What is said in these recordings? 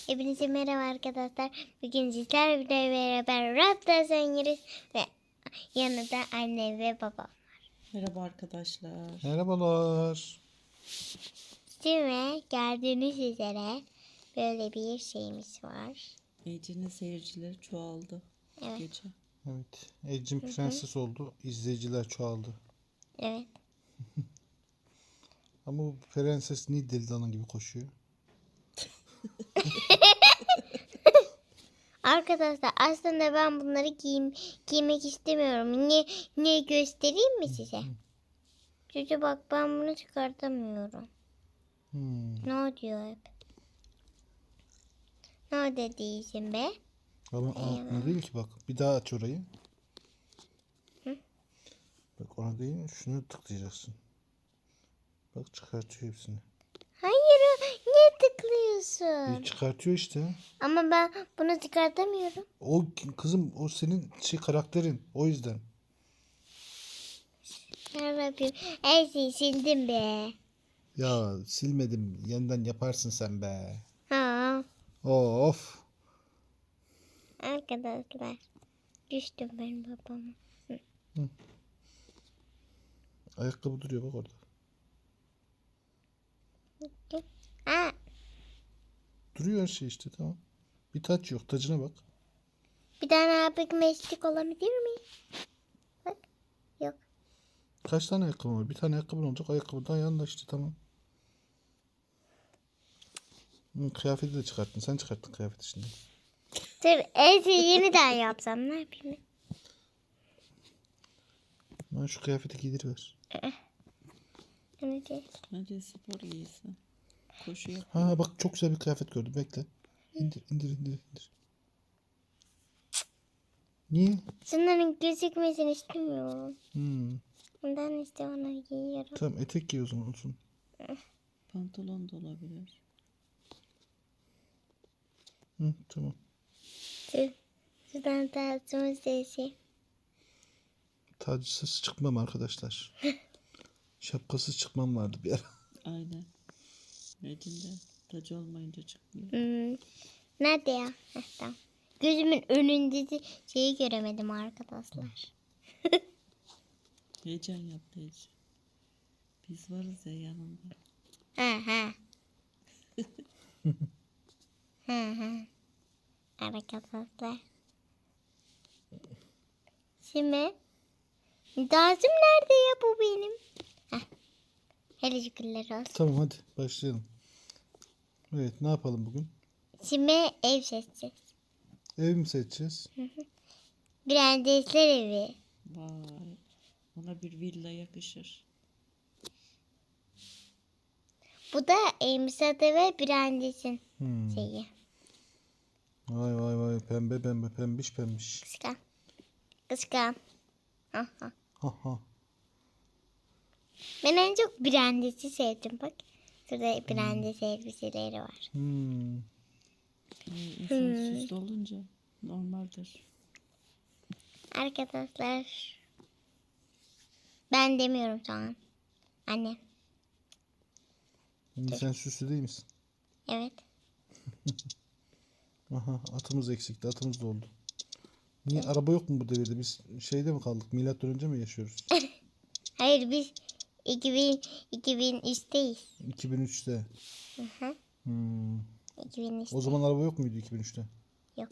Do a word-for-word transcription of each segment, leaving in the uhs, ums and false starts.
Hepinize merhaba arkadaşlar. Bugün sizlerle beraber Raptor oynarız ve yanında anne ve baba. Merhaba arkadaşlar. Merhabalar. Şimdi gördüğünüz üzere böyle bir şeyimiz var. Ece'nin seyircileri çoğaldı Evet. gece. Evet. Ecin prenses oldu. İzleyiciler çoğaldı. Evet. Ama bu prenses niye deli dana gibi koşuyor? Arkadaşlar aslında ben bunları giyim, giymek istemiyorum. Niye, niye göstereyim mi size? Çocuğu bak ben bunu çıkartamıyorum. Hmm. Ne diyor hep? Ne dediğin be? Ama altına değil ki bak. Bir daha aç orayı. Hı? Bak ona değil. Şunu tıklayacaksın. Bak çıkartıyor hepsini. Hayır, niye tıklıyorsun? Bir çıkartıyor işte. Ama ben bunu çıkartamıyorum. O kızım o senin şey karakterin. O yüzden. Yarabbim, her şeyi sildim be. Ya silmedim. Yeniden yaparsın sen be. Ha, Of. arkadaşlar. Düştüm ben babama. Ayakkabı duruyor bak orada. Ha, Duruyor her şey işte tamam. Bir taç yok. Tacına bak. bir tane abi meslek olabilir mi? Bak, yok. Kaç tane ayakkabı var? Bir tane ayakkabın olacak. Ayakkabıdan yanında işte tamam. Hı, kıyafeti de çıkarttın. Sen çıkarttın kıyafeti şimdi. Dur, her şeyi yeniden yapsam ne yapayım? Ben şu kıyafeti giydiriver. Önce Bence spor giysi. Koşu yap. Ha bak çok güzel bir kıyafet gördüm. Bekle. İndir indir indir indir. Niye? şunların gözükmesini istemiyorum. Hmm. Ondan işte onları giyiyorum. Tamam etek giy o zaman olsun. Pantolon da olabilir. Hı, tamam. Dur, şuradan tarzımın sesi. Tacısız çıkmam arkadaşlar. Şapkasız çıkmam vardı bir ara. Aynen. Ece'nin de tacı olmayınca çıkmıyor. Hmm. Nerede ya? Heh, tamam. Gözümün önünde de şeyi göremedim arkadaşlar. Heyecan yaptı Ece. Biz varız ya yanında. Ha ha. ha ha. Arkadaşlar. Şimdi Dazım nerede ya bu benim? Heh. Hele şükürler olsun. Tamam hadi başlayalım. Evet ne yapalım bugün? Şimdi ev seçeceğiz. Ev mi seçeceğiz? Prensesler evi. Vay. Ona bir villa yakışır. Bu da Emsa'da ve Prensesin Hmm. şeyi. Vay vay vay pembe pembe pembiş pembiş. Kıskan. Kıskan. Ha ha. Ha ha. Ben en çok Prenses'i sevdim bak. Şurada Prenses elbiseleri var. Hmm. Yani insan süslü olunca normaldir. Arkadaşlar. Ben demiyorum şu an. Anne. Şimdi sen süslü değil misin? Evet. Aha atımız eksikti. Atımız da oldu. Niye araba yok mu bu devirde? Biz şeyde mi kaldık? Milattan önce mi yaşıyoruz? Hayır biz iki bin, iki bin üçteyiz. iki bin üçte. Hı hı. Hmm. iki bin üçte. O zaman araba yok muydu iki bin üçte? Yok.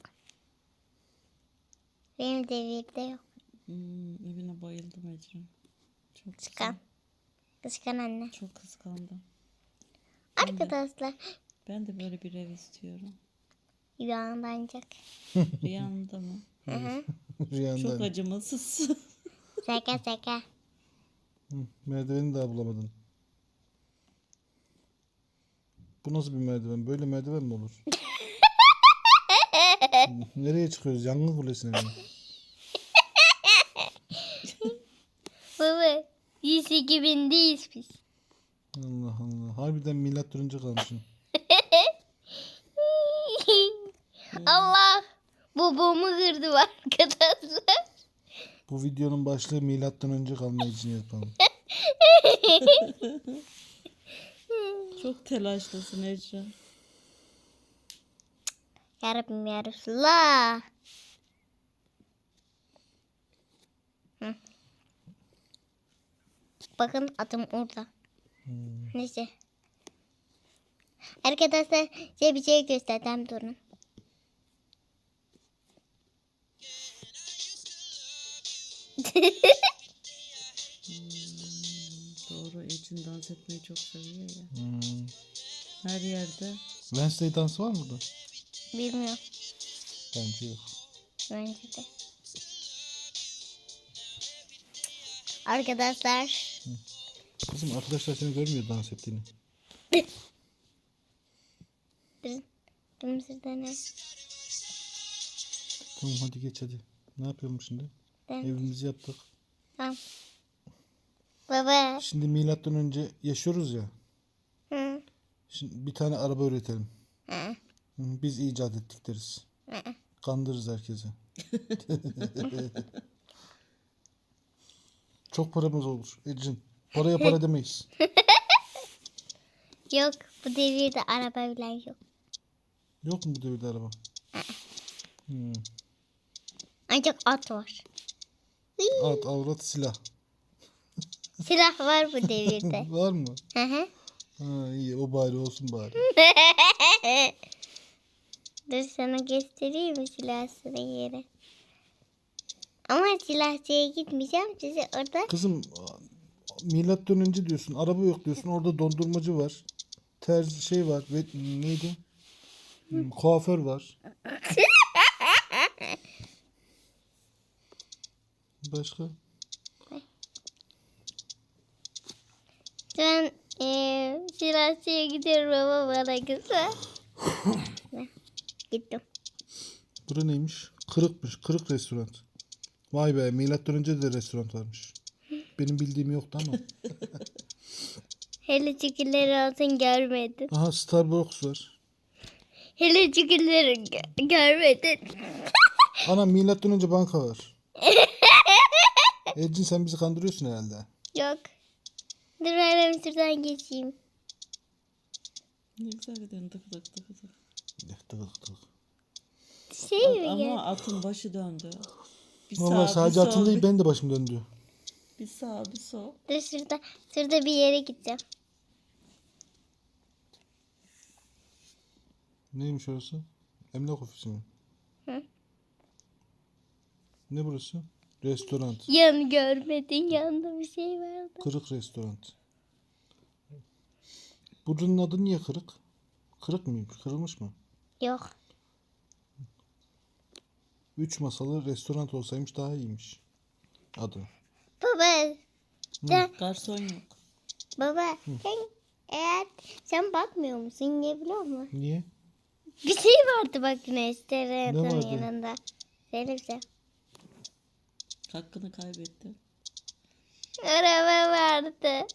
Benim devirde yok. Hmm, evine bayıldım Ece. Çok Kıskan. Kıskan anne. Çok kıskandım. Arkadaşlar. Ben de böyle bir ev istiyorum. Yuvan ancak. Rüyanda mı? Hı hı. Rüyandan. Çok acımasız. Şaka şaka. Hı, merdiveni daha bulamadın. Bu nasıl bir merdiven? Böyle merdiven mi olur? Nereye çıkıyoruz? Yangın kulesine mi? Baba. Yüz iki bindeyiz biz. Allah Allah. Harbiden milattan önce kalmışım. Allah. Babamı kırdı arkadaşlar. Bu videonun başlığı milattan önce kalma için yapalım. Çok telaşlısın Ece. Ya Rabbim ya Resulallah. Hı. Bakın atım orada. Hmm. Neyse. Arkadaşlar size bir şey göstereceğim, durun. Doğru, Ecin dans etmeyi çok seviyor ya. Hmm. Her yerde. Wednesday dansı var mı burada? Bilmiyorum. Bence yok. Bence de. Arkadaşlar. Kızım arkadaşlar seni görmüyor dans ettiğini. Durun. Durun sizde ne? Tamam hadi geç hadi. Ne yapıyorum şimdi? Ben. Evimizi yaptık. Tamam. Baba. Şimdi milattan önce yaşıyoruz ya. Hı. Şimdi bir tane araba üretelim. Hı. Hı, Biz icat ettik deriz. Hı. Kandırırız herkese. Çok paramız olur Ecin. Paraya para demeyiz. Yok, bu devirde araba bile yok. Yok mu bu devirde araba? Hmm. Ancak at var. At, avrat, silah. Silah var bu devirde. Var mı? Hı hı. Ha, iyi o bari olsun bari. Dur sana göstereyim mi silahsını yeri. Ama silahçıya gitmeyeceğim, sizi orada. Kızım milattan önce diyorsun, araba yok diyorsun, orada dondurmacı var. Terzi şey var ve neydi? Hmm, kuaför var. Başka? Ben eee silahçıya gidiyorum ama bana güzel. Gittim. Bura neymiş? Kırıkmış. Kırık restoran. Vay be, milattan önce de restoran varmış. Benim bildiğim yoktu ama. Hele çikileri olsun görmedin. Aha, Starbucks var. Hele çikileri gö- görmedin. Ana milattan önce banka var. Ecin sen bizi kandırıyorsun herhalde. Yok. Dur ben şuradan geçeyim. Ne güzel gidiyorsun, tık tık tık tık. Tık tık tık. Şey At- mi ama ya? atın başı döndü. Bir Valla sağ, sadece bir atın sol, değil bir, ben de başım döndü. bir sağ, bir sol. Dur şurada, şurada bir yere gideceğim. Neymiş orası? Emlak ofisi mi? Hı. Ne burası? Restoran. Yan görmedin, yanında bir şey vardı. Kırık restoran. Buranın adı niye kırık? Kırık mıymış? Kırılmış mı? Yok. Üç masalı restoran olsaymış daha iyiymiş. Adı. Baba, sen, Garson yok. baba, sen eğer sen bakmıyor musun, niye biliyor musun? Niye? Bir şey vardı bak restoranın vardı? yanında. Söyle bize. Hakkını kaybetti. Araba vardı.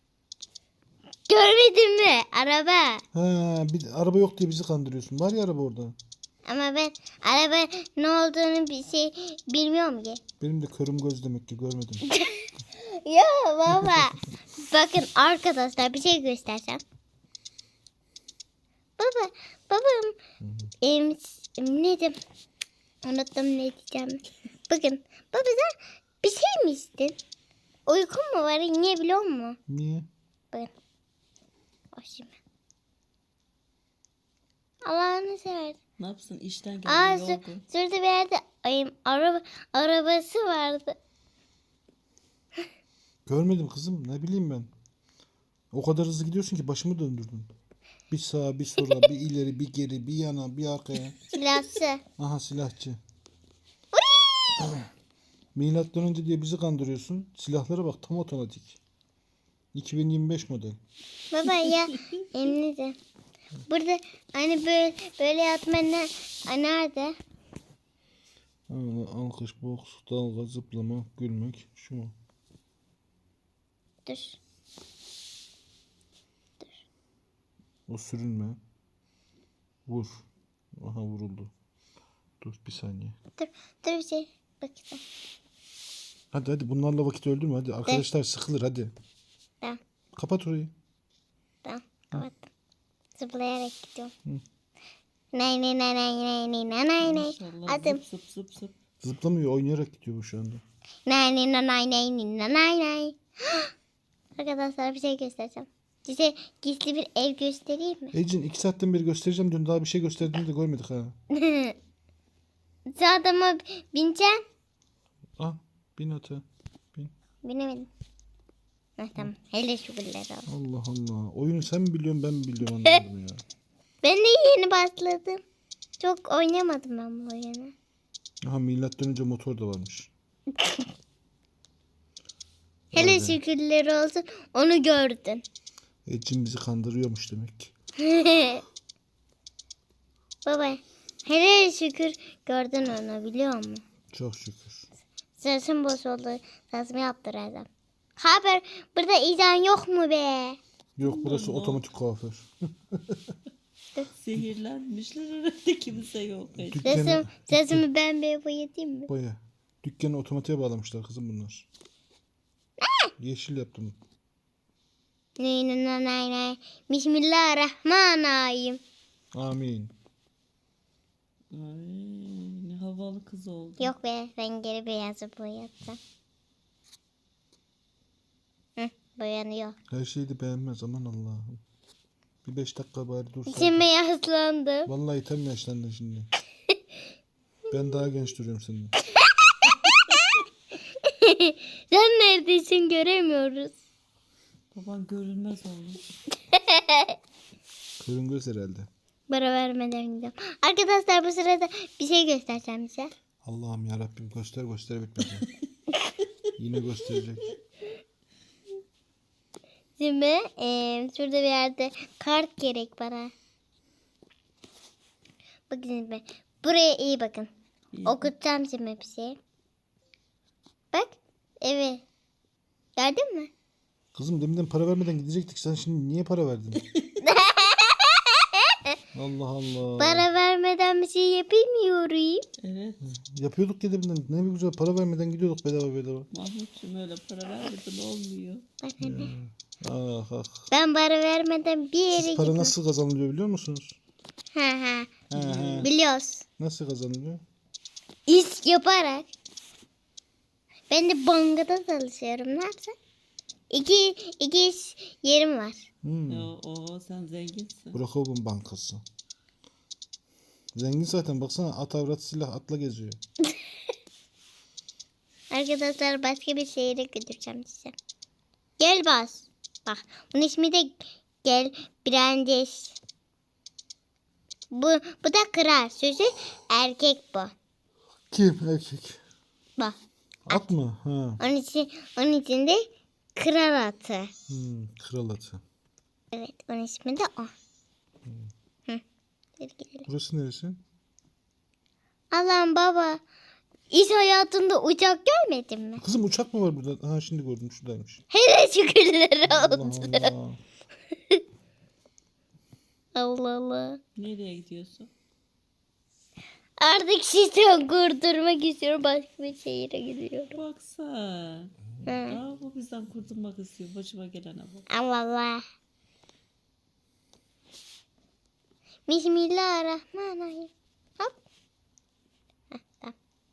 Görmedin mi? Araba. Ha, bir araba yok diye bizi kandırıyorsun. Var ya araba orada. Ama ben araba ne olduğunu bir şey bilmiyorum ki. Benim de körüm göz demek ki görmedim. Ya baba. Bakın arkadaşlar bir şey göstereceğim. Baba, babam em, ne diyeyim? Unuttum ne diyeceğim. Bakın baba sen bir şey mi içtin? Uykun mu var? Niye biliyor musun? Niye? Bakın. O şimdi. Allah'ını seversen. Ne yapsın, işten geldi Aa, şu- yorgun. şurada bir yerde ay, araba, arabası vardı. Görmedim kızım. Ne bileyim ben. O kadar hızlı gidiyorsun ki başımı döndürdün. Bir sağa, bir sola, bir ileri, bir geri, bir yana, bir arkaya. Silahsı. Aha silahçı. Milattan önce diye bizi kandırıyorsun. Silahlara bak tam otomatik. iki bin yirmi beş model. Baba ya emin de. Burada hani böyle böyle yatma ne, nerede? Aa, alkış, boks, dalga, zıplama, gülmek. Şu mu? Dur. O sürünme. Vur. Aha vuruldu. Dur bir saniye. Dur. Dur bir şey. Bakayım. Hadi hadi bunlarla vakit öldürme hadi. Arkadaşlar sıkılır hadi. Tamam. Kapat orayı. Tamam. Kapattım. Zıplayarak gidiyorum. Nay nay nay nay nay nay nay nay nay. Maşallah Adım. zıp zıp zıp zıp. Zıplamıyor, oynayarak gidiyor bu şu anda. Nay nay nay nay nay nay nay nay. Arkadaşlar bir şey göstereceğim. Size gizli bir ev göstereyim mi? Ecin iki saatten beri göstereceğim diyorsun. Daha bir şey gösterdiğini de görmedik ha. Zaten ama bineceğim. Ah, bin ata. Bin. Binemedim. Heh, tamam. Hele şükürler olsun. Allah Allah. Oyunu sen mi biliyorsun ben mi biliyorum anlamadım ya. Ben de yeni başladım. Çok oynamadım ben bu oyunu. Aha milattan önce motor da varmış. Hele Vay be. şükürler olsun onu gördün. Ecin bizi kandırıyormuş demek ki. Baba hele şükür gördün onu biliyor musun? Çok şükür. Sesim bozuldu. Sesimi yaptıracağım. Haber burada izan yok mu be? Yok burası Allah. otomatik kuaför. Sihirlenmişler herhalde, kimse yok. Sesim, Dükkanı, sesimi ben bir boyatayım mı? baya. Dükkanı otomatiğe bağlamışlar kızım bunlar. Yeşil yaptım. Nay nay nay nay nay. Bismillahirrahmanirrahim. Amin. Ay, ne havalı kız oldu. Yok be ben geri beyazı boyatacağım. Hı, boyanıyor. Her şeyi de beğenmez aman Allah'ım. Bir beş dakika bari dursa. İçime yaslandım. Vallahi tam yaşlandın şimdi. Ben daha genç duruyorum senden. Sen neredesin göremiyoruz. Baban görünmez oldu. Kırın göz herhalde. Para vermeden gidiyorum. Arkadaşlar bu sırada bir şey göstereceğim size. Allah'ım ya Rabbim göster göster bitmedi. Yine gösterecek. Şimdi eee, şurada bir yerde kart gerek bana. Bakın şimdi. Buraya iyi bakın. İyi. Okutacağım şimdi bir şey. Bak. Evet. Gördün mü? Kızım deminden para vermeden gidecektik. Sen şimdi niye para verdin? Allah Allah. Para vermeden bir şey yapamıyorum. Evet. Yapıyorduk ya deminden. Ne bir güzel para vermeden gidiyorduk bedava bedava. Mahmutcuğum öyle para vermeden olmuyor. Bak anne. Ah ah. Ben para vermeden bir yere Siz para gitmem. nasıl kazanılıyor biliyor musunuz? Ha ha. He he. Biliyoruz. Nasıl kazanılıyor? İş yaparak. Ben de bankada çalışıyorum. Ne yapsam? İki, iki iş yerim var. Hmm. Ya, o sen zenginsin. Brokov'un bankası. Zengin zaten baksana at avrat silah atla geziyor. Arkadaşlar başka bir şehire götüreceğim size. Gel bas. Bak bunun ismi de Gel Brandes. Bu, bu da kral. Sözü erkek bu. Kim erkek? Bak. At mı? Ha. Onun için, onun için de kral atı. Hmm, kral atı. Evet onun ismi de o. Hı. Hadi gidelim. Burası neresi? Allah'ım baba. İş hayatında uçak görmedin mi? Kızım uçak mı var burada? Ha şimdi gördüm şuradaymış. Hele şükürler Allah olsun. Allah. Allah Allah. Nereye gidiyorsun? Artık sistem kurdurmak istiyorum. Başka bir şehire gidiyorum. Bak sen. Hı. Aa, bu bizden kurtulmak istiyor. Başıma gelene bak. Allah Allah. Bismillahirrahmanirrahim. Hop. Heh, tamam.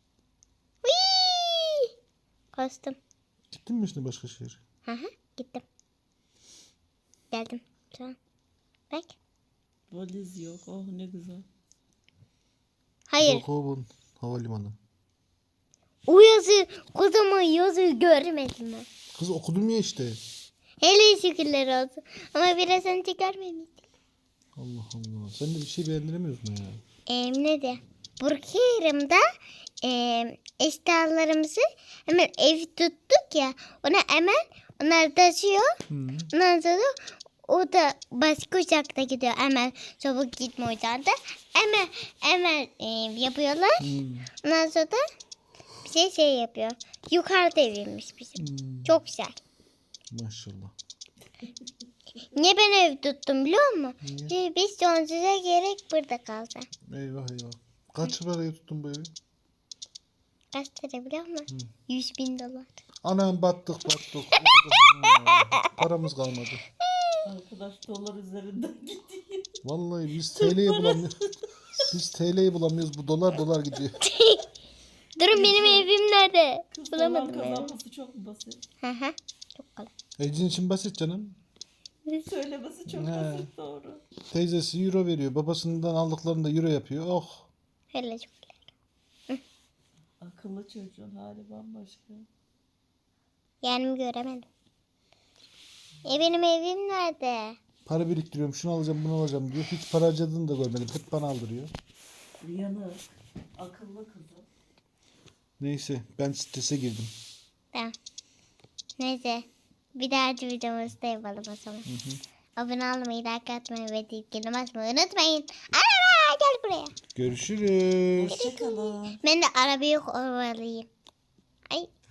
Whee! Kostüm. Gittin mi şimdi başka şehir? Hı hı, gittim. Geldim. Tamam. Bak. Valiz yok. Oh ne güzel. Hayır. Brokov'un havalimanı. O yazı, kocaman yazıyı görmedim ben. Kız okudum ya işte. Hele şükürler olsun. Ama biraz önce görmemiştim. Allah Allah. Sen de bir şey beğendiremiyorsun ya. Ee, ne de? Burkerim'de e, eşyalarımızı hemen ev tuttuk ya. Ona hemen onlar taşıyor. Hı. Ondan sonra o da başka uçakta gidiyor. Hemen çabuk gitme uçağında. Hemen hemen e, yapıyorlar. Hı. Ondan sonra da bir şey şey yapıyor. Yukarıda eviymiş bizim. Hı. Çok güzel. Maşallah. Niye ben ev tuttum biliyor musun? Niye? Çünkü biz sonsuza gerek burada kalacağız. Eyvah eyvah. Kaç paraya tuttun bu evi? Kaç lira biliyor musun? Yüz bin dolar. Anam battık battık. Paramız kalmadı. Arkadaş dolar üzerinden gidiyor. Vallahi biz T L'ye bulamıyoruz. Biz T L'yi bulamıyoruz. Bu dolar dolar gidiyor. Durun benim evim nerede? Kız dolar Bulamadım evi. kazanması çok mu basit? Hı hı. Çok kolay. Ecin için basit canım. Söylemesi çok He. basit, doğru. Teyzesi euro veriyor. Babasından aldıklarını da euro yapıyor. Oh. Hele çok kolay. Akıllı çocuğun hali bambaşka. Yani göremedim. E benim evim nerede? Para biriktiriyorum. Şunu alacağım bunu alacağım diyor. Hiç para harcadığını da görmedim. Hep bana aldırıyor. Yanık. Akıllı kızı. Neyse ben strese girdim. Tamam. Neyse. Bir dahaki videomuzda yapalım o zaman. Abone olmayı, like atmayı ve zilini basmayı unutmayın. Araba gel buraya. Görüşürüz. Hoşçakalın. Ben de arabayı kovalayayım. Ay